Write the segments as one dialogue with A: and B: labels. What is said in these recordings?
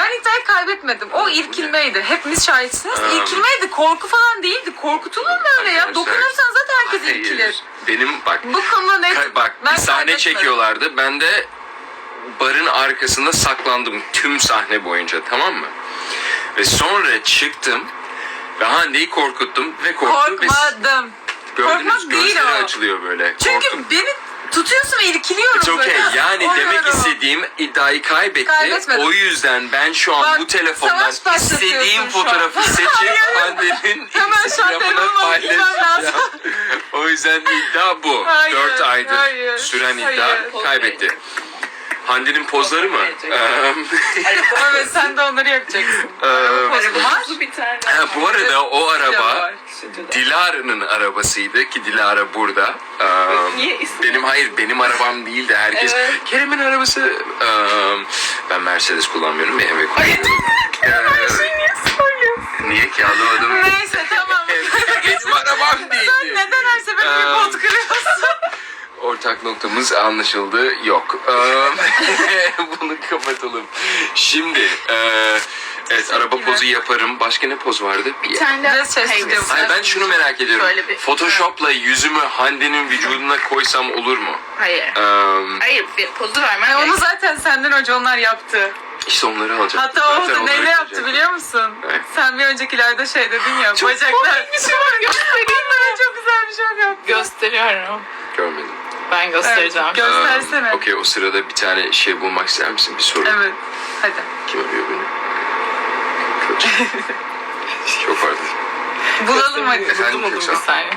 A: Ben iddiayı kaybetmedim. O irkilmeydi. Hepimiz şahitsiniz. İrkilmeydi. Korku falan değildi. Korkutulur mu öyle ya? Dokunursan zaten herkes irkilir.
B: Benim bak.
A: Bu konuda net.
B: Bak
A: Ben
B: bir sahne
A: kaybetmedim.
B: çekiyorlardı. Ben de barın arkasında saklandım tüm sahne boyunca, tamam mı? Ve sonra çıktım ve Hande'yi korkuttum ve korktum.
A: Korkmadım.
B: Gördünüz,
A: Korkmak değil
B: gözleri
A: o.
B: açılıyor böyle.
A: Çünkü
B: Korktum.
A: beni tutuyorsun ve irkiliyorum
B: It's okay.
A: böyle.
B: Yani
A: Oluyorum.
B: demek istediğim iddiayı kaybetti.
A: Kaybetmedim.
B: O yüzden ben şu an
A: Bak,
B: bu telefondan
A: savaş başlatıyorsun
B: istediğim
A: şu an.
B: fotoğrafı seçip Hande'nin
A: Hemen şu an
B: Instagram'ına
A: telefonuma gitmem
B: paylaşacağım.
A: lazım.
B: O yüzden iddia bu.
A: Hayır,
B: 4 aydır
A: hayır,
B: süren
A: hayır.
B: iddia kaybetti. Hande'nin pozları mı?
A: Evet, sen de onları yapacaksın.
C: Arabamız bir tane.
B: Bu arada o araba
A: var.
B: Dilara'nın arabasıydı ki Dilara burada.
C: Niye ismi?
B: Benim arabam değildi. Herkes
C: Evet.
B: Kerem'in arabası. Ben Mercedes kullanmıyorum, BMW kullanıyorum.
C: Niye söylüyorsun?
B: Niye ki, anlamadım.
A: Neyse, tamam.
B: Benim arabam
A: Sen
B: değildi.
A: neden her seferinde bir pot kırıyorsun?
B: Ortak noktamız anlaşıldı. Yok. Bunu kapatalım. Şimdi evet, araba pozu yaparım. Başka ne poz vardı?
C: Bir tane daha.
A: Biraz ses
C: Hayır,
A: tutuyorum.
B: Hayır, ben şunu merak ediyorum.
C: Şöyle bir-
B: Photoshop'la yüzümü Hande'nin vücuduna koysam olur mu?
C: Hayır. Hayır, bir pozu vermen
A: Onu
C: gerek.
A: zaten senden önce onlar yaptı.
B: İşte onları alacağım.
A: Hatta o
B: Zaten
A: da
B: onları
A: neyle yaptı
B: koyacağım.
A: biliyor musun?
B: Evet.
A: Sen bir öncekilerde şey dedin ya,
C: Çok
A: bacaklar.
C: komik bir şey var, göstereyim mi?
A: Çok güzel bir şey yaptı.
C: Gösteriyorum.
B: Görmedim.
C: Ben göstereceğim.
A: Evet, göstersene.
B: Okey, o sırada bir tane şey bulmak ister misin? Bir soru.
A: Evet, hadi.
B: Kim arıyor beni? Kaç. Çok pardon.
A: Bulalım hadi.
B: Efendim,
C: Buldum bir
B: Köksal?
C: saniye.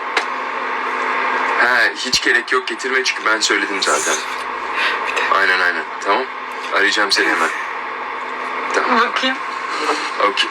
B: Hiç gerek yok getirme çünkü ben söyledim zaten. Aynen. Tamam. Arayacağım seni hemen. Tamam.
A: Bakayım.
B: Okey.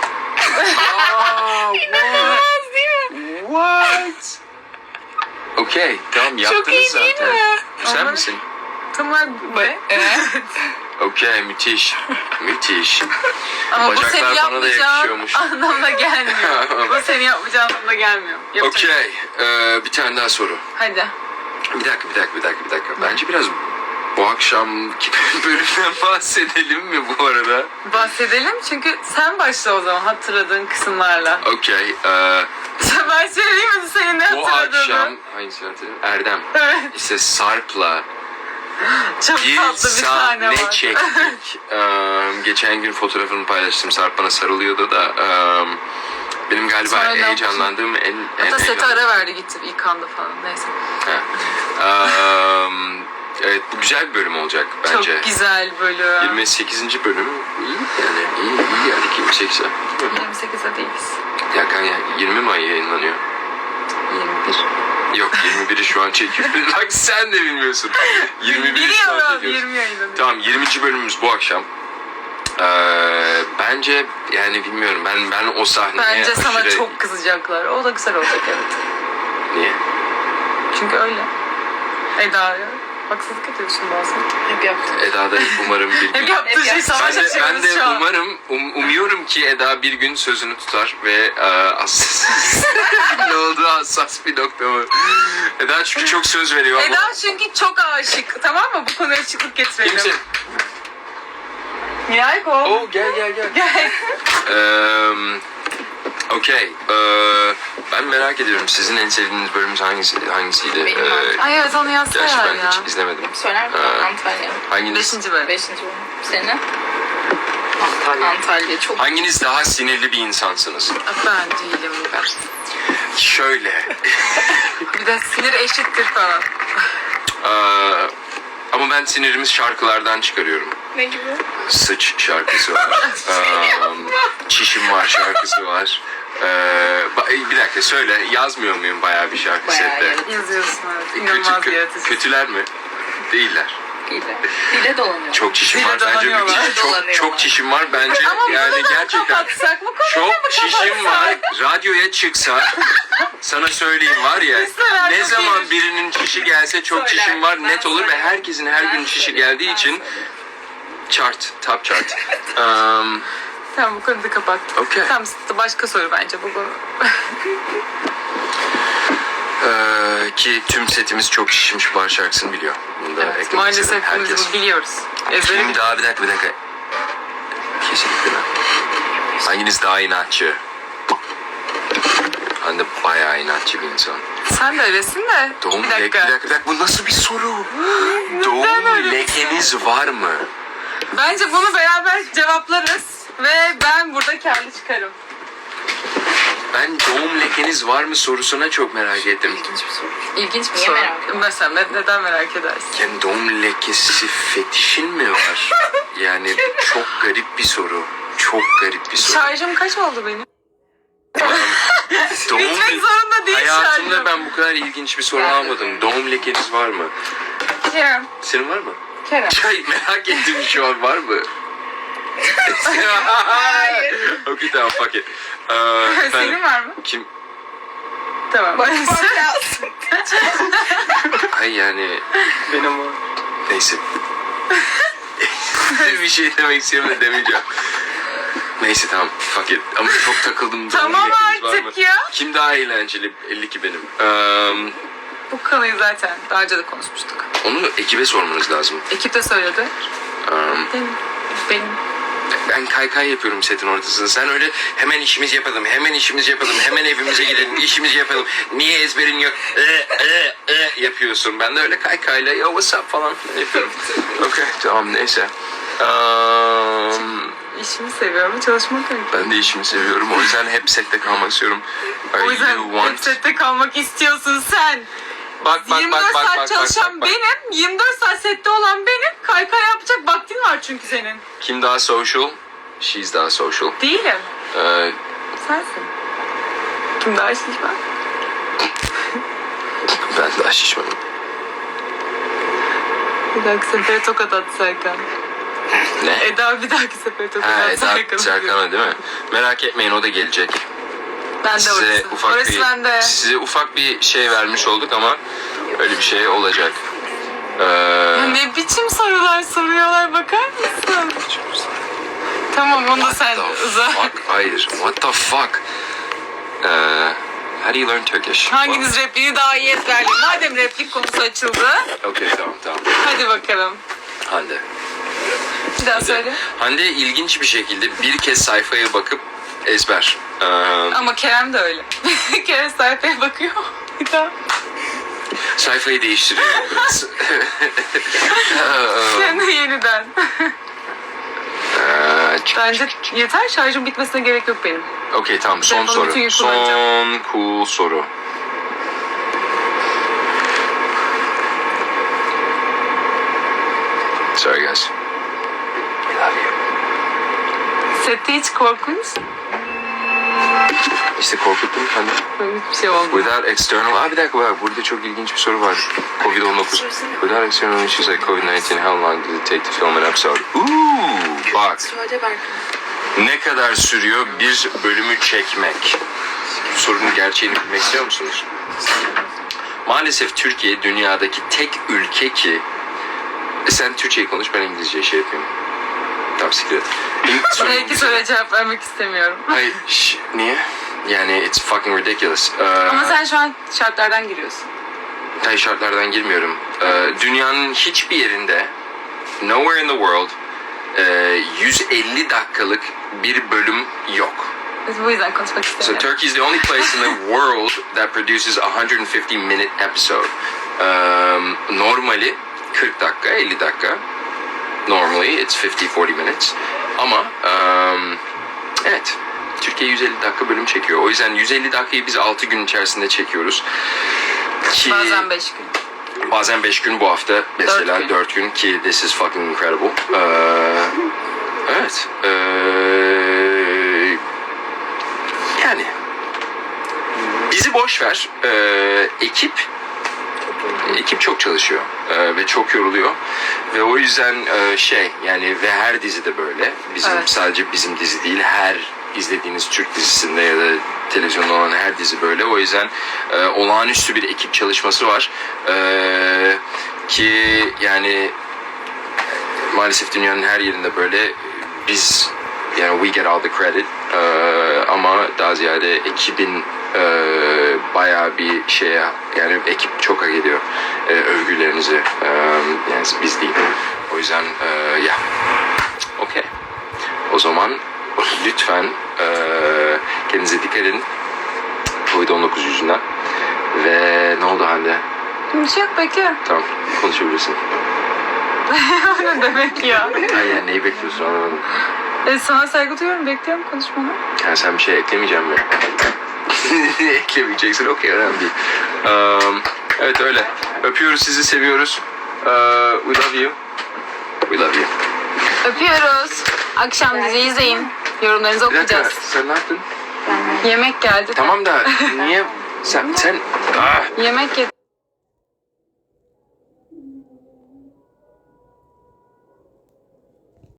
C: İnanılmaz değil mi?
B: What? Okey. Tamam, yaptınız
C: iyi
B: zaten.
C: değil mi?
B: Sen
A: Ama-
B: misin?
A: Tamam. Ne?
C: Evet.
B: Okey, müthiş. Müthiş.
A: Ama bu
B: Bacaklar
A: seni
B: bana da
A: yapmayacağın
B: yakışıyormuş.
A: anlamına gelmiyor. Bu seni yapmayacağın anlamına gelmiyor. Yapacak.
B: Okey. Bir tane daha soru.
A: Hadi.
B: Bir dakika. Bence biraz bu akşamki bölümden bahsedelim mi bu arada?
A: Bahsedelim çünkü sen başla o zaman hatırladığın kısımlarla.
B: Okey.
A: Ben söyleyeyim mi senin ne
B: Bu
A: hatırladığını?
B: akşam hangisi hatırlıyorum? Erdem.
A: Evet.
B: İşte Sarp'la
A: Çok
B: bir
A: tatlı bir sahne
B: sahne
A: var.
B: çektik. Geçen gün fotoğrafını paylaştım. Sarp bana sarılıyordu da benim galiba
A: Sonra ne
B: heyecanlandığım en
A: Hatta sete
B: eğlendiğim-
A: ara verdi gitti yıkandı falan neyse.
B: Ha. Evet, bu güzel bir bölüm olacak bence.
A: Çok güzel bölüm.
B: 28. bölüm iyi yani, iyi yani 28.
A: 28'e değiliz.
B: Ya kanka, 20 May yayınlanıyor.
A: 21.
B: Yok, 21'i şu an çekiyoruz. Bak sen de bilmiyorsun. 21'i şu an
A: Biliyorum
B: çekiyoruz.
A: 20 yayınlanıyor.
B: Tamam, 20. bölümümüz bu akşam. Bence yani bilmiyorum, ben o sahneye
A: Bence sana
B: aşırı-
A: çok kızacaklar. O da güzel olacak evet.
B: Niye?
A: Çünkü öyle. Eda'ya haksızlık ediyorsun bazen.
C: Hep yaptım.
B: Eda da umarım bir gün...
A: Hep yaptığı şey savaş
B: Ben de
A: açıyoruz şu an.
B: umarım, umuyorum ki Eda bir gün sözünü tutar ve hassas... ne oldu, hassas bir nokta mı? Eda çünkü çok söz veriyor ama...
A: Eda çünkü çok aşık. Tamam mı? Bu konuya açıklık getirelim.
B: Kimsin?
A: Nihayet o.
B: Oo, gel.
A: Gel.
B: Okey. Ben merak ediyorum, sizin en sevdiğiniz bölümümüz hangisiydi?
C: Benim Antalya.
A: Ay evet onu
B: Gerçi
A: yazsana
B: ben
A: ya.
B: hiç izlemedim.
C: Söyler misin? Antalya.
B: Hanginiz?
A: 5. bölüm.
C: 5. bölüm. Senin? Antalya çok.
B: Hanginiz daha sinirli bir insansınız?
A: Ben değilim ben.
B: Şöyle.
A: Bir de sinir eşittir falan.
B: Ama ben sinirimiz şarkılardan çıkarıyorum.
C: Ne gibi?
B: Sıç şarkısı var. Çişim var şarkısı var. Bir dakika, söyle, yazmıyor muyum bayağı bir şarkı
C: Bayağı
B: sette?
C: yaratıcı.
A: Yazıyorsun evet. İnanılmaz yaratıcı.
B: Kötüler mi? Değiller.
C: Dile dolanıyor.
B: Çok çişim
A: Dile
B: var bence.
A: dolanıyorlar.
B: Çok çişim var bence.
A: Ama bunu
B: Yani
A: da
B: gerçekten
A: kapatsak bu konuyu
B: çok
A: mu
B: çişim var.
A: kapatsak?
B: Radyoya çıksa sana söyleyeyim var ya,
A: Listeler
B: ne
A: çok
B: zaman
A: iyiymiş.
B: birinin çişi gelse çok
C: Söyler,
B: çişim var
C: ben
B: net olur ve
C: söylerim.
B: herkesin her gün çişi geldiği için top chart.
A: Tamam bu konuyu da kapattık.
B: Okey.
A: Tamam başka soru bence bu konu.
B: Ki tüm setimiz çok şişmiş bar şarkısını biliyor. Bunu da
A: Evet,
B: eklemek
A: maalesef
B: istedim.
A: hepimiz
B: Herkes.
A: bunu biliyoruz. Ezbere
B: Kim daha bir dakika. Kesinlikle ben. Hanginiz daha inatçı? Ben de bayağı inatçı bir insan.
A: Sen de öylesin de.
B: Doğum
A: bir dakika.
B: bu nasıl bir soru? Doğum
A: öyle bir
B: lekeniz var mı?
A: Bence bunu beraber cevaplarız. Ve ben burada karlı çıkarım.
B: Ben doğum lekeniz var mı sorusuna çok merak ettim.
A: İlginç bir
C: Niye
A: soru.
C: merak ediyorsun?
A: Mesela neden merak edersin?
B: Yani doğum lekesi fetişin mi var? Yani çok garip bir soru. Çok garip bir soru.
A: Şarjım kaç oldu benim?
B: Doğum
A: Bitmek zorunda değil
B: Hayatımda
A: şarjım.
B: ben bu kadar ilginç bir soru almadım. Doğum lekeniz var mı?
A: Kerem.
B: Senin var mı?
A: Kerem.
B: Çay merak ettim şu an var mı?
C: Hayır.
B: Okey tamam fuck it.
A: Senin var mı?
B: Kim?
A: Tamam.
C: Bakmak lazım.
B: Ay yani
D: Benim o.
B: neyse. Bir şey demek istiyorum da demeyeceğim. Neyse tamam fuck it. Ama çok takıldım.
A: Tamam
B: Lekeniz var
A: artık
B: mı?
A: ya.
B: Kim daha eğlenceli? 52 benim.
A: Bu konuyu zaten daha önce de konuşmuştuk.
B: Onu ekibe sormanız lazım.
A: Ekip de söyledi. Benim.
B: Ben kaykay yapıyorum setin ortasında. Sen öyle hemen işimizi yapalım, hemen işimizi yapalım, hemen evimize gidelim, işimizi yapalım. Niye ezberin yok? Yapıyorsun. Ben de öyle kaykayla yo what's up falan filan yapıyorum. Okey tamam neyse.
A: İşimi seviyorum, çalışmak öyle.
B: Ben de işimi seviyorum. O yüzden hep sette kalmak istiyorum.
A: O yüzden hep sette kalmak istiyorsun sen.
B: Bak
A: 24 saat çalışan benim, 24 saat sette olan benim. Kaykay yapacak vaktin var çünkü senin.
B: Kim daha social? She's daha social.
A: Değilim.
B: Ee,
A: Sensin. Kim daha şişman?
B: ben daha şişmanım.
A: Bir dahaki sefere tokat at Serkan.
B: Ne?
A: Eda bir dahaki sefere tokat
B: Ha,
A: at Serkan.
B: Serkan'a değil mi? Merak etmeyin o da gelecek.
A: Ben de
B: Size
A: orası.
B: ufak
A: Orası
B: bir
A: bende.
B: size ufak bir şey vermiş olduk ama öyle bir şey olacak.
A: Ne biçim sorular soruyorlar bakar mısın? Tamam onu da sen uzat.
B: Fuck, hayır. What the fuck? How do you learn Turkish?
A: Hanginiz repliği daha iyi ezberliyor? Madem replik konusu açıldı.
B: Okay tamam.
A: Hadi bakalım.
B: Hande.
A: Bir daha söyle.
B: Hande ilginç bir şekilde bir kez sayfaya bakıp ezber.
A: Ama Kerem de öyle. Kerem sayfaya bakıyor. Bir daha.
B: Sayfayı değiştiriyor biraz.
A: Sen de yeniden. Bence yeter şarjım bitmesine gerek yok benim.
B: Okey tamam son
A: Telefonu
B: soru.
A: bütün gün kullanacağım.
B: Son cool soru. Sorry guys. I love you.
A: Sette hiç korkunç.
B: İşte korkuttum hani.
A: Böyle bir şey oldu.
B: Without external... bir dakika bak burada çok ilginç bir soru var. Covid-19. Without external issues like COVID-19, how long does it take to film an episode? Bak.
C: Söyle Berkan.
B: Ne kadar sürüyor bir bölümü çekmek? Sorunun gerçeğini bilmek istiyor musunuz? Maalesef Türkiye dünyadaki tek ülke ki... sen Türkçeyi konuş ben İngilizce şey yapayım. Tamam siktir et.
A: Belki soruya cevap vermek istemiyorum.
B: Hayır niye? Yani it's fucking ridiculous.
A: Ama sen şu an şartlardan giriyorsun.
B: Tay şartlardan girmiyorum. Dünyanın hiçbir yerinde nowhere in the world 150 dakikalık bir bölüm yok.
A: Biz bu yüzden konuşmak
B: So
A: istemiyorum.
B: Turkey is the only place in the world that produces a 150 minute episode. Normali 40 dakika, 50 dakika. Normally it's 50-40 minutes. Ama evet Türkiye 150 dakika bölüm çekiyor. O yüzden 150 dakikayı biz 6 gün içerisinde çekiyoruz. Ki
A: Bazen 5 gün.
B: bazen 5 gün bu hafta mesela
A: 4
B: 4 gün ki this is fucking incredible. Evet. Yani bizi boş ver. Ekip çok çalışıyor ve çok yoruluyor ve o yüzden yani ve her dizide böyle bizim
A: Evet.
B: sadece bizim dizi değil her izlediğiniz Türk dizisinde ya da televizyonda olan her dizi böyle o yüzden olağanüstü bir ekip çalışması var ki yani maalesef dünyanın her yerinde böyle biz yani we get all the credit ama daha ziyade ekibin bayağı bir şeye yani ekip çok hak ediyor övgülerinizi yani biz değil o yüzden okey O zaman lütfen kendinize dikkat edin. Covid-19 yüzünden. Ve ne oldu Hande?
A: Bir şey yok, bekliyorum.
B: Tamam, konuşabilirsin.
A: Ne demek ya?
B: Ay yani neyi bekliyorsun anlamadım.
A: Sana saygı duyuyorum, bekliyorum konuşmanı.
B: Yani sen bir şey eklemeyeceğim mi? Eklemeyeceksin, okey, önemli değil. Evet öyle. Öpüyoruz, sizi seviyoruz. We love you. We love you.
A: Öpüyoruz. Akşam dizi izleyin. Yorumlarınızı
B: Bir dakika,
A: okuyacağız.
B: sen ne yaptın?
A: Yemek geldi.
B: Tamam da niye... Sen...
A: Yemek yedim.